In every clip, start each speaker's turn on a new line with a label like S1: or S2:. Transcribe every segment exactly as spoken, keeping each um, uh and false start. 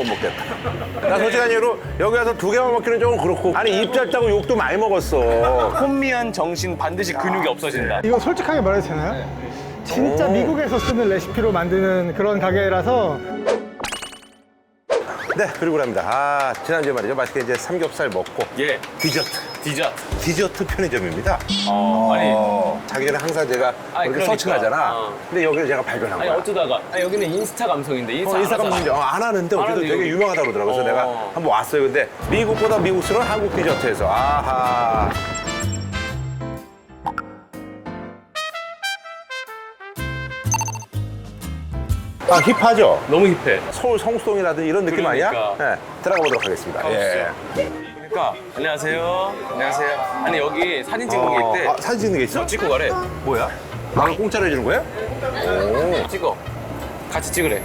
S1: 못 먹겠다. 나 솔직한 이유로 여기 와서 두 개만 먹기는 조금 그렇고. 아니 입 짧다고 욕도 많이 먹었어.
S2: 혼미한 정신 반드시 근육이 없어진다.
S3: 이거 솔직하게 말해도 되나요? 진짜
S1: 오.
S3: 미국에서 쓰는 레시피로 만드는 그런 가게라서.
S1: 네, 그리고 합니다. 아, 지난주에 말이죠. 맛있게 이제 삼겹살 먹고.
S2: 예,
S1: 디저트.
S2: 디저트.
S1: 디저트 편의점입니다.
S2: 어, 아니,
S1: 어, 자기 전에 항상 제가
S2: 아니,
S1: 이렇게
S2: 그러니까.
S1: 서칭하잖아.
S2: 어.
S1: 근데 여기를 제가 발견한
S2: 아니
S1: 거야.
S2: 어쩌다가 아니, 여기는 인스타 감성인데 인스타
S1: 어, 인스타
S2: 안
S1: 감성인데
S2: 하잖아.
S1: 어, 안 하는데
S2: 안
S1: 어쨌든
S2: 하는데
S1: 되게
S2: 여기.
S1: 유명하다고 그러더라고. 그래서
S2: 어.
S1: 내가 한번 왔어요. 근데 미국보다 미국스러운 한국 디저트에서 아하. 아, 힙하죠?
S2: 너무 힙해.
S1: 서울 성수동이라든지 이런 느낌
S2: 그러니까.
S1: 아니야? 네, 들어가 보도록 하겠습니다. 예.
S2: 그러니까 안녕하세요. 안녕하세요. 아니 여기 사진 찍는 게 있대.
S1: 아, 사진 찍는 게 있어?
S2: 어, 찍고 가래.
S1: 뭐야? 나를 공짜로 해주는 거야? 오.
S2: 찍어. 같이 찍으래.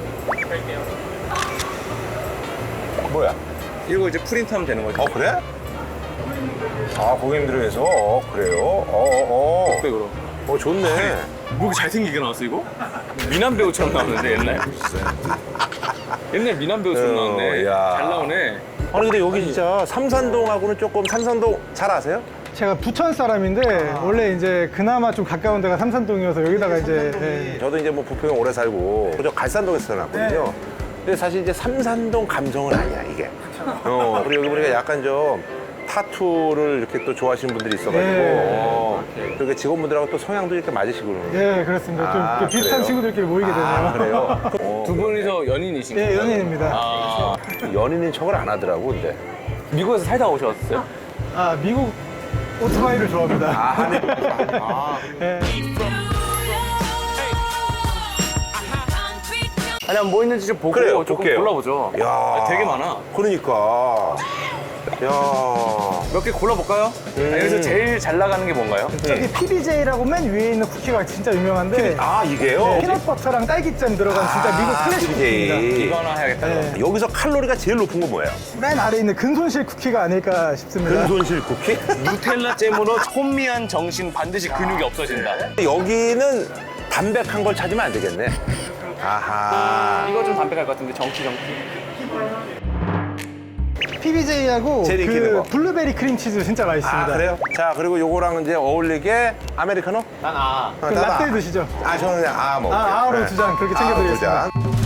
S1: 뭐야?
S2: 이거 이제 프린트하면 되는 거지.
S1: 어, 그래? 아, 고객님들을 위해서? 어, 그래요? 어, 어, 어.
S2: 그럼.
S1: 어, 좋네.
S2: 뭐 이렇게 잘생기게 나왔어 이거? 미남 배우처럼 나오는데 옛날. 옛날 미남 배우처럼
S1: 어,
S2: 나왔네.
S1: 야.
S2: 잘 나오네.
S1: 아니, 근데 여기 진짜 삼산동하고는 조금, 삼산동 잘 아세요?
S3: 제가 부천 사람인데 원래 이제 그나마 좀 가까운 데가 삼산동이어서 여기다가 이제 예.
S1: 저도 이제 뭐 부평에 오래 살고, 저 갈산동에서 태어났거든요. 근데 사실 이제 삼산동 감성은 아니야, 이게. 어, 그리고 여기 보니까 약간 좀 타투를 이렇게 또 좋아하시는 분들이 있어가지고,
S3: 네.
S1: 어, 그리고 직원분들하고 또 성향도 이렇게 맞으시고 그러는데.
S3: 예, 그렇습니다. 좀
S1: 아,
S3: 이렇게 비슷한
S1: 그래요?
S3: 친구들끼리 모이게 되네요.
S1: 아, 그래요? 어,
S2: 두 분이서 연인이신
S3: 예,
S2: 거예요?
S3: 연예인입니다.
S2: 아,
S1: 연인인 척을 안 하더라고, 근데.
S2: 미국에서 살다 오셨어요?
S3: 아, 미국 오토바이를 좋아합니다.
S1: 아, 하네. 아,
S3: 예.
S2: 아니 뭐 있는지 좀 보고
S1: 그래요,
S2: 조금
S1: 볼게요.
S2: 골라보죠.
S1: 야,
S2: 아, 되게 많아.
S1: 그러니까. 야.
S2: 몇 개 골라볼까요?
S1: 음.
S2: 아, 여기서 제일 잘 나가는 게 뭔가요?
S3: 저기 피비제이라고 맨 위에 있는 쿠키가 진짜 유명한데
S1: 아, 이게요?
S3: 네, 피넛버터랑 딸기잼 들어간 진짜 미국 클래식 쿠키입니다.
S1: 피비제이.
S2: 이거 하나 해야겠다.
S3: 네.
S1: 여기서 칼로리가 제일 높은 건 뭐예요?
S3: 맨 아래에 있는 근손실 쿠키가 아닐까 싶습니다.
S1: 근손실 쿠키?
S2: 누텔라 잼으로 혼미한 정신 반드시 근육이 없어진다.
S1: 여기는 담백한 걸 찾으면 안 되겠네. 아하.
S2: 이거 좀 담백할 것 같은데 정치 정치.
S3: 피비제이하고
S1: 제일 인기 있는
S3: 그
S1: 거.
S3: 블루베리 크림치즈 진짜 맛있습니다.
S1: 아, 그래요? 자, 그리고 요거랑 이제 어울리게 아메리카노?
S2: 난 아.
S3: 그 라떼 드시죠?
S1: 아, 저는 그냥 아 먹을게요.
S3: 아, 아우로
S1: 네.
S3: 두 잔 그렇게
S1: 아우로 두
S3: 챙겨드리겠습니다.
S1: 잔.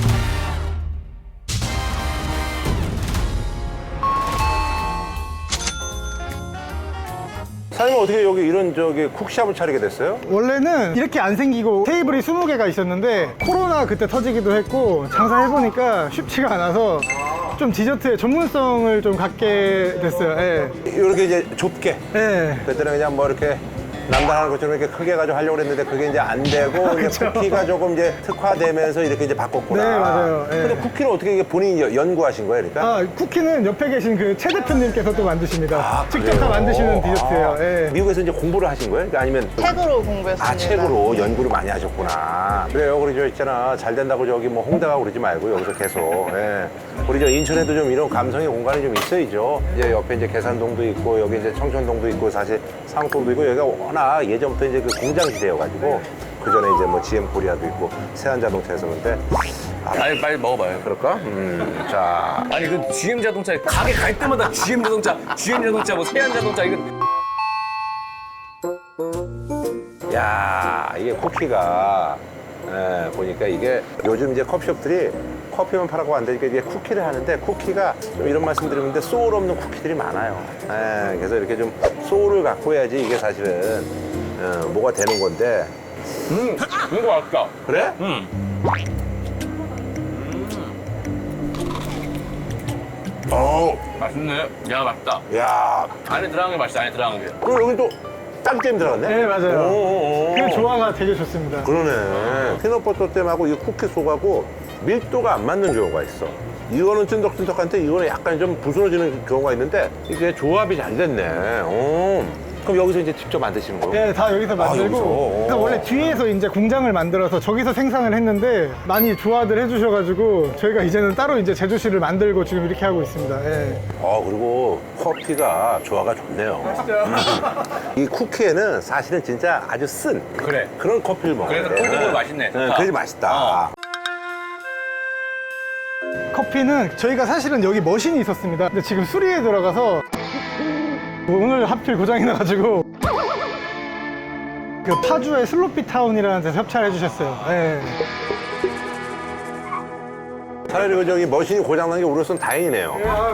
S1: 사장님 어떻게 여기 이런 저기 쿡샵을 차리게 됐어요?
S3: 원래는 이렇게 안 생기고 테이블이 스무 개가 있었는데 코로나 그때 터지기도 했고 장사해보니까 쉽지가 않아서 좀 디저트의 전문성을 좀 갖게 됐어요. 예.
S1: 이렇게 이제 좁게.
S3: 예.
S1: 그때는 그냥 뭐 이렇게 남들 하는 것처럼 이렇게 크게 가지고 하려고 했는데 그게 이제 안 되고 이제 쿠키가 조금 이제 특화되면서 이렇게 이제 바꿨구나.
S3: 네, 맞아요. 예.
S1: 근데 쿠키는 어떻게 이게 본인이 여- 연구하신 거예요, 그러니까?
S3: 아, 쿠키는 옆에 계신 그 최 대표님께서 또 만드십니다.
S1: 아,
S3: 직접
S1: 그래요?
S3: 다 만드시는 디저트예요.
S1: 아,
S3: 예.
S1: 미국에서 이제 공부를 하신 거예요? 그러니까 아니면
S4: 책으로 공부했습니다.
S1: 아, 책으로 연구를 많이 하셨구나. 그래요. 우리 저 있잖아. 잘 된다고 저기 뭐 홍대 가고 그러지 말고 여기서 계속. 예. 우리 저 인천에도 좀 이런 감성의 공간이 좀 있어야죠. 이제 옆에 이제 계산동도 있고 여기 이제 청천동도 있고 사실 상동도 있고 여기가 워낙 예전부터 이제 그 공장 시대여가지고 그 전에 이제 뭐 지엠 코리아도 있고 세안자동차에서 근데 아,
S2: 아니 빨리 먹어봐요.
S1: 그럴까? 음, 자.
S2: 아니 그 지엠 자동차 가게 갈 때마다 지엠 자동차, 지엠 자동차, 뭐 세안 자동차 이거.
S1: 야, 이게 쿠키가 예, 보니까 이게 요즘 이제 커피숍들이 커피만 팔아고 안 되니까 이게 쿠키를 하는데 쿠키가 좀 이런 말씀 드리는데 소울 없는 쿠키들이 많아요. 예, 그래서 이렇게 좀 소울을 갖고 해야지 이게 사실은 어, 뭐가 되는 건데.
S2: 음, 이거 맛있다.
S1: 그래?
S2: 음.
S1: 어,
S2: 맛있네. 야 맛있다.
S1: 야,
S2: 안에 들어간 게 맛있다. 안에 들어간 게.
S1: 그리고 여기 또 짱잼 들어갔네?
S3: 네, 맞아요.
S1: 오, 오, 오.
S3: 그 조화가 되게 좋습니다.
S1: 그러네. 피넛버터 잼하고 이 쿠키 속하고 밀도가 안 맞는 경우가 있어. 이거는 찐득찐득한데 이거는 약간 좀 부스러지는 경우가 있는데 이게 조합이 잘 됐네. 오. 그럼 여기서 이제 직접 만드시는 거예요?
S3: 예, 다 여기서 만들고.
S1: 여기서?
S3: 그래서 원래 뒤에서 이제 공장을 만들어서 저기서 생산을 했는데 많이 조화들 해주셔가지고 저희가 이제는 따로 이제 제조실을 만들고 지금 이렇게 하고 있습니다. 예.
S1: 어, 그리고 커피가 조화가 좋네요. 음. 이 쿠키에는 사실은 진짜 아주 쓴
S2: 그래.
S1: 그런 커피를 먹어야
S2: 그래서
S1: 돼.
S2: 콜드브루 맛있네.
S1: 네,
S2: 좋다.
S1: 그래서 맛있다.
S2: 어.
S3: 커피는 저희가 사실은 여기 머신이 있었습니다. 근데 지금 수리에 들어가서 오늘 하필 고장이 나가지고 그 파주의 슬로피 타운이라는 데서 협찬을 해주셨어요. 네.
S1: 차라리 그 저기 머신이 고장난 게 우리로서는 다행이네요.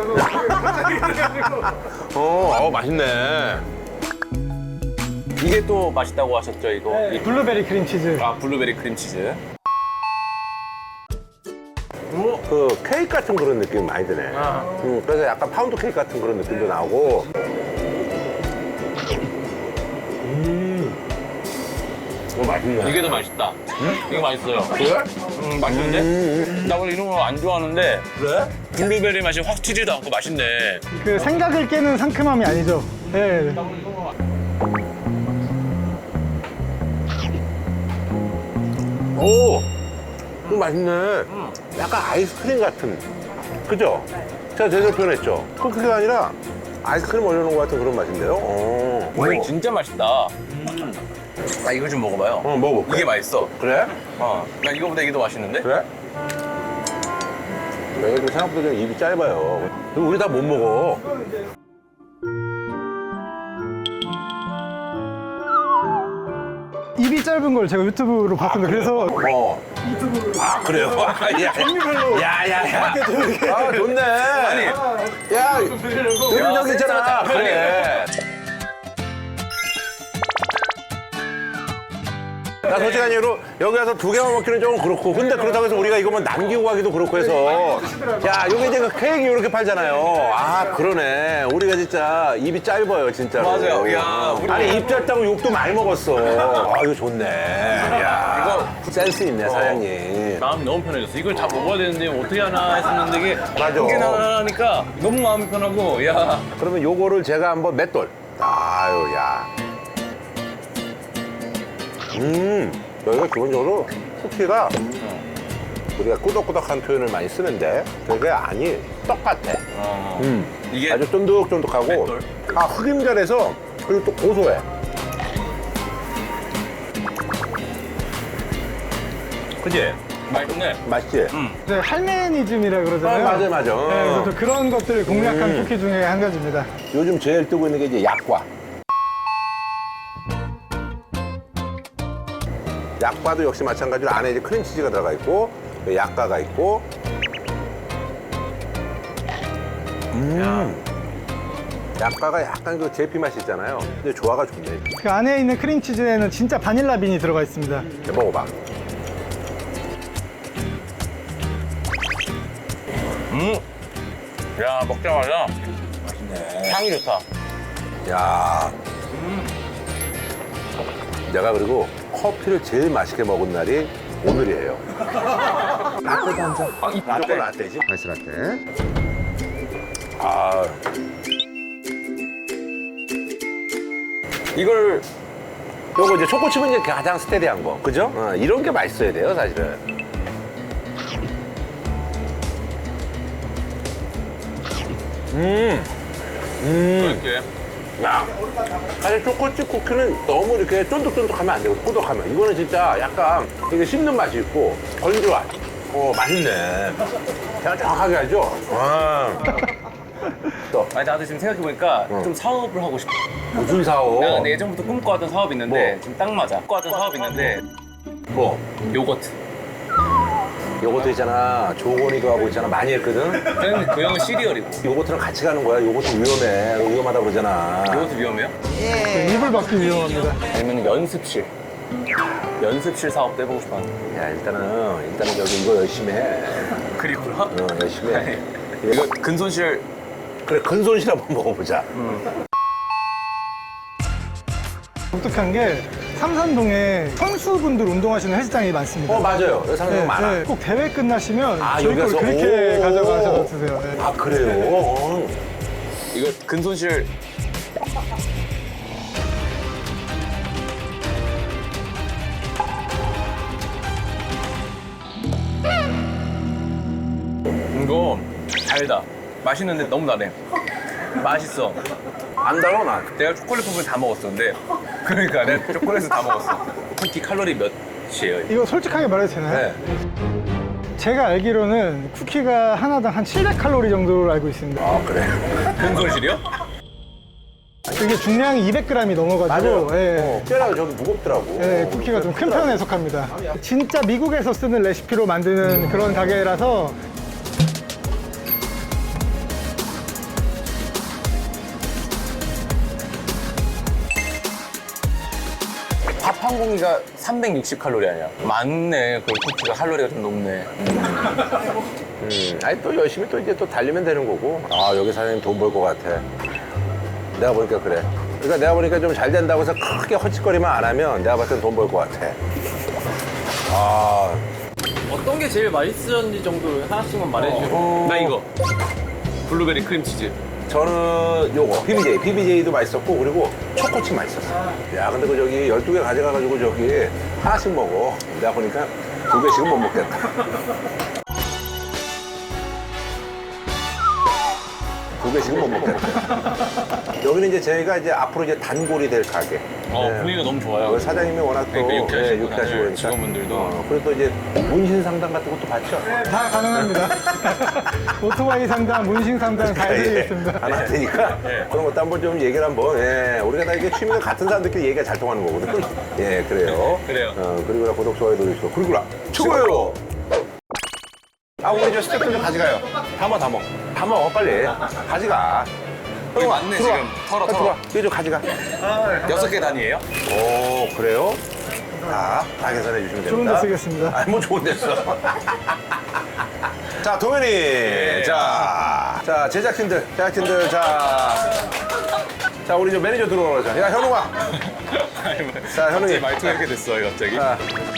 S1: 어, 어 맛있네.
S2: 이게 또 맛있다고 하셨죠, 이거? 이-
S3: 블루베리 크림치즈.
S2: 아, 블루베리 크림치즈.
S1: 그 케이크 같은 그런 느낌이 많이 드네.
S2: 아.
S1: 음, 그래서 약간 파운드 케이크 같은 그런 느낌도 나고. 음, 이거 맛있네.
S2: 이게 더 맛있다. 이거 맛있어요.
S1: 그래?
S2: 음, 맛있는데?
S1: 음,
S2: 나 원래 이런 거 안 좋아하는데
S1: 그래?
S2: 블루베리 맛이 확 튀지도 않고 맛있네.
S3: 그 생각을 깨는 상큼함이 아니죠. 네.
S1: 오, 이거 맛있네. 약간 아이스크림 같은. 그죠? 제가 제대로 표현했죠? 쿠키가 아니라 아이스크림 올려놓은 것 같은 그런 맛인데요? 어,
S2: 이거 진짜 맛있다. 나 이거 좀 먹어봐요.
S1: 어, 먹어볼게.
S2: 이게 맛있어.
S1: 그래?
S2: 어, 나 이거보다 이게 더 맛있는데?
S1: 그래? 내가 좀 생각보다 좀 입이 짧아요. 그리고 우리 다 못 먹어.
S3: 입이 짧은 걸 제가 유튜브로 봤습니다. 그래서
S1: 어. 아, 그래요? 야,
S3: 종류별로
S1: 야, 야, 야. 아, 좋네.
S2: 아니,
S1: 야, 이런 적 있잖아.
S2: 센스가
S1: 그래. 나 솔직한 이유로 여기 와서 두 개만 먹기는 조금 그렇고, 근데 그렇다고 해서 우리가 이거만 남기고 가기도 그렇고 해서, 야, 여기 이제 그 케이크 이렇게 팔잖아요. 아, 그러네. 우리가 진짜 입이 짧아요, 진짜로.
S2: 맞아요. 야, 우리-
S1: 아니, 입 짧다고 욕도 많이 먹었어. 아, 이거 좋네. 야,
S2: 이거-
S1: 센스 있네, 사장님.
S2: 마음이 너무 편해졌어. 이걸 다 먹어야 되는데 어떻게 하나 했었는데 이게
S1: 맞아.
S2: 이게 나니까 너무 마음이 편하고 야.
S1: 그러면 요거를 제가 한번 맷돌. 아유, 야. 음, 여기가 기본적으로 쿠키가 우리가 꾸덕꾸덕한 표현을 많이 쓰는데 그게 아니, 똑같아.
S2: 어.
S1: 음,
S2: 이게
S1: 아주 쫀득쫀득하고
S2: 맷돌?
S1: 아, 흑임자라서 그리고 또 고소해. 그지?
S2: 맛있네.
S1: 맛있지?
S2: 음.
S3: 이제 할메니즘이라 그러잖아요.
S1: 아, 맞아, 맞아.
S3: 네, 그래서 또 그런 것들을 공략한
S1: 음.
S3: 쿠키 중에 한 가지입니다.
S1: 요즘 제일 뜨고 있는 게 이제 약과. 약과도 역시 마찬가지로 안에 이제 크림치즈가 들어가 있고 약과가 있고. 음. 약과가 약간 그 제피 맛이 있잖아요. 근데 조화가 좋네.
S3: 그 안에 있는 크림치즈에는 진짜 바닐라 빈이 들어가 있습니다.
S1: 자, 먹어봐.
S2: 음. 야, 먹자마자 맛있네. 향이 좋다.
S1: 야. 내가 그리고 커피를 제일 맛있게 먹은 날이 오늘이에요. 라떼도 한 잔.
S2: 아, 이
S1: 무조건
S2: 라떼.
S1: 라떼지. 아이스 라떼. 아.
S2: 이걸
S1: 요거 이제 초코칩은 이제 가장 스테디한 거. 그죠? 어, 이런 게 맛있어야 돼요, 사실은. 음. 음.
S2: 이렇게
S1: 야. 사실 초코칩 쿠키는 너무 이렇게 쫀득쫀득하면 안 되고 꾸덕하면. 이거는 진짜 약간 이게 씹는 맛이 있고 건조한. 어, 맛있네. 제가 정확하게 알죠? 와. 또,
S2: 아니 나도 지금 생각해보니까
S1: 응.
S2: 좀 사업을 하고 싶어.
S1: 무슨 사오?
S2: 내가 근데 예전부터 꿈꿔왔던 사업이 있는데
S1: 뭐?
S2: 지금 딱 맞아. 꿈꿔왔던 사업이 있는데
S1: 뭐?
S2: 요거트.
S1: 요거트 있잖아. 조건이도 하고 있잖아. 많이 했거든?
S2: 그냥 그 형은 시리얼이고.
S1: 요거트랑 같이 가는 거야. 요거트 위험해. 위험하다 그러잖아.
S2: 요거트 위험해요?
S3: 그 입을 막기 위험합니다.
S2: 아니면 연습실. 연습실 사업도 해보고 싶어.
S1: 야, 일단은, 일단은 여기 이거 열심히 해.
S2: 그리구나.
S1: 어, 열심히 해.
S2: 이거 근손실.
S1: 그래, 근손실 한번 먹어보자.
S3: 독특한 게 삼산동에 선수분들 운동하시는 헬스장이 많습니다.
S1: 어, 맞아요. 여기 상당히
S3: 네,
S1: 많아.
S3: 네, 꼭 대회 끝나시면
S1: 아,
S3: 저희 걸
S1: 여기서?
S3: 그렇게
S1: 오.
S3: 가져가셔서 드세요. 네.
S1: 아, 그래요? 어.
S2: 이거 근손실. 이거 달다. 맛있는데 너무 달해. 맛있어.
S1: 안 달아, 난.
S2: 내가 초콜릿 부분 다 먹었어. 근데 그러니까 내가 초콜릿을 다 먹었어. 쿠키 칼로리 몇이에요?
S3: 이거 솔직하게 말해도 되나요?
S1: 네.
S3: 제가 알기로는 쿠키가 하나당 한 칠백 칼로리 정도로 알고 있습니다.
S1: 아, 그래.
S2: 근손실이요?
S3: 이게 중량이 이백 그램이 넘어가지고 예.
S1: 어, 꽤나 저기 무겁더라고.
S3: 예, 쿠키가 좀 큰 편에 속합니다. 진짜 미국에서 쓰는 레시피로 만드는 그런 가게라서
S2: 밥 한 공기가 삼백육십 칼로리 아니야? 맞네. 그럼 쿠키가 칼로리가 좀 높네.
S1: 음, 아니 또 열심히 또 이제 또 달리면 되는 거고. 아, 여기 사장님 돈 벌 것 같아. 내가 보니까 그래. 그러니까 내가 보니까 좀 잘 된다고 해서 크게 헛짓거리만 안 하면 내가 봤을 땐 돈 벌 것 같아. 아,
S2: 어떤 게 제일 맛있었는지 정도 하나씩만 말해주세요.
S1: 어.
S2: 나 이거. 블루베리 크림치즈.
S1: 저는 요거 피비제이, 피비제이도 맛있었고 그리고 초코칩 맛있었어. 야, 근데 그 저기 열두 개 가져가가지고 저기 하나씩 먹어. 내가 보니까 두 개씩은 못 먹겠다. 두 개씩은 못 먹겠다. 여기는 이제 저희가 이제 앞으로 이제 단골이 될 가게.
S2: 어,
S1: 네.
S2: 분위기가 너무 좋아요.
S1: 그 사장님이 워낙 또
S2: 그러니까 유쾌하시고
S1: 예, 유쾌하시고
S2: 다들
S1: 그러니까.
S2: 직원분들도.
S1: 어, 그리고 또 이제 문신 상담 같은 것도 받죠.
S3: 다 가능합니다. 오토바이 상담, 문신 상담 다 해드리겠습니다.
S1: 안 할 테니까 그런 것도 한번 좀 얘기를 한번. 예, 우리가 다 이게 취미가 같은 사람들끼리 얘기가 잘 통하는 거거든. 예, 그래요.
S2: 그래요.
S1: 어, 그리고 구독 좋아요 눌러주시고 그리고 최고예요. 아, 우리 저 스태프들 좀 가져가요. 다 먹어, 다 먹어. 다 먹어, 빨리. 가져가.
S2: 여기 맞네,
S1: 들어와.
S2: 지금. 털어,
S1: 아,
S2: 털어.
S1: 들어와. 이거 좀 가져가.
S2: 여섯 개 단위예요?
S1: 오, 그래요? 다, 다 계산해 주시면 됩니다.
S3: 좋은 데 쓰겠습니다.
S1: 아니, 뭐 좋은 데 써. 자, 동현이. 자, 자, 제작진들, 제작진들, 자. 자, 우리 저 매니저 들어오자. 야, 현웅아. 자, 현웅이.
S2: 말투가 이렇게 됐어요, 갑자기.
S1: 자,